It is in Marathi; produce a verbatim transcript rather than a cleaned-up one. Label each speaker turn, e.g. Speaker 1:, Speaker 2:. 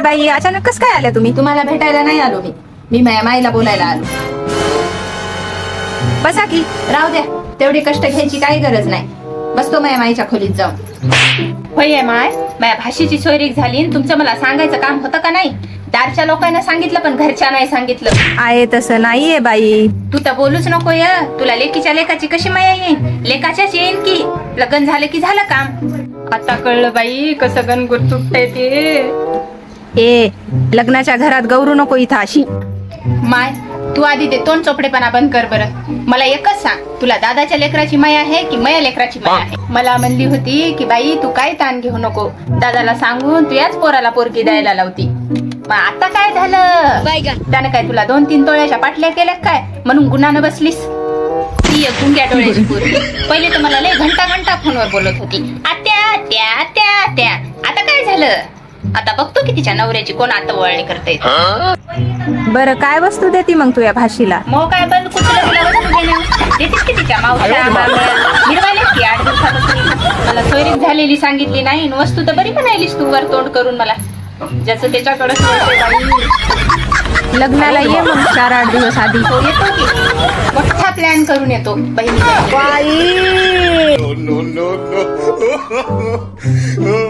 Speaker 1: बाई अचानक कसं काय आल्या तुम्ही?
Speaker 2: तुम्हाला भेटायला नाही आलो मी मी माझ्या माईला बोलायला आलो.
Speaker 1: बसा की.
Speaker 2: राहू द्या, तेवढी कष्ट घ्यायची काही गरज नाही. बसतो माझ्या माईच्या खोलीत जाऊन. होय माय, माझ्या भाषेची सोयरीक झाली आणि तुमचं मला सांगायचं काम होतं का नाही? दारच्या लोकांना सांगितलं पण घरच्या नाही सांगितलं.
Speaker 1: आहे तसं नाहीये बाई.
Speaker 2: तू तर बोलूच नको या. तुला लेकीच्या लेकाची कशी माया येईन? लेकाच्याच येईन की. लग्न झालं की झालं काम. आता कळलं बाई कसं गणगुर तुटतंय ते.
Speaker 1: ए लग्नाच्या घरात गौरू नको इथं अशी.
Speaker 2: माय, तू आधी ते तोंड चोपडेपणा बंद कर बरं. मला एकच सांग, तुला दादाच्या लेकराची माया आहे की माया लेकराची माया आहे? मला म्हणली होती की बाई तू काय ताण घेऊ नको, दादाला सांगून तू याच पोराला पोरगी द्यायला लावती. मग आता काय झालं? त्यानं काय तुला दोन तीन तोळ्याच्या पाटल्या केल्या काय म्हणून गुन्हानं बसलीस? ती एक गुंग्या डोळ्याची पोरगी. पहिले तर मला लय घंटा घंटा फोनवर बोलत होती, आत्या आत्या आत्या आत्या. आता काय झालं? आता बघतो की तिच्या नवऱ्याची कोण आता वळणी करते.
Speaker 1: बरं काय वस्तू देती मग तुझ्या भाषीला?
Speaker 2: मग काय बंद कुठलं तिला वस्तू देणं? देतेस की तिच्या मावश्या मिरवायला की आठ दिवसापासून मला सोयरीक झालेली सांगितली नाही. वस्तू तर बरी म्हणायलीस तू वर तोंड करून मला. ज्याचं त्याच्याकडे
Speaker 1: लग्नाला ये मग चार आठ दिवस आधी.
Speaker 2: हो येतो की. मोठा प्लॅन करून येतो बहिणी.
Speaker 1: बाई
Speaker 3: no, no, no, no.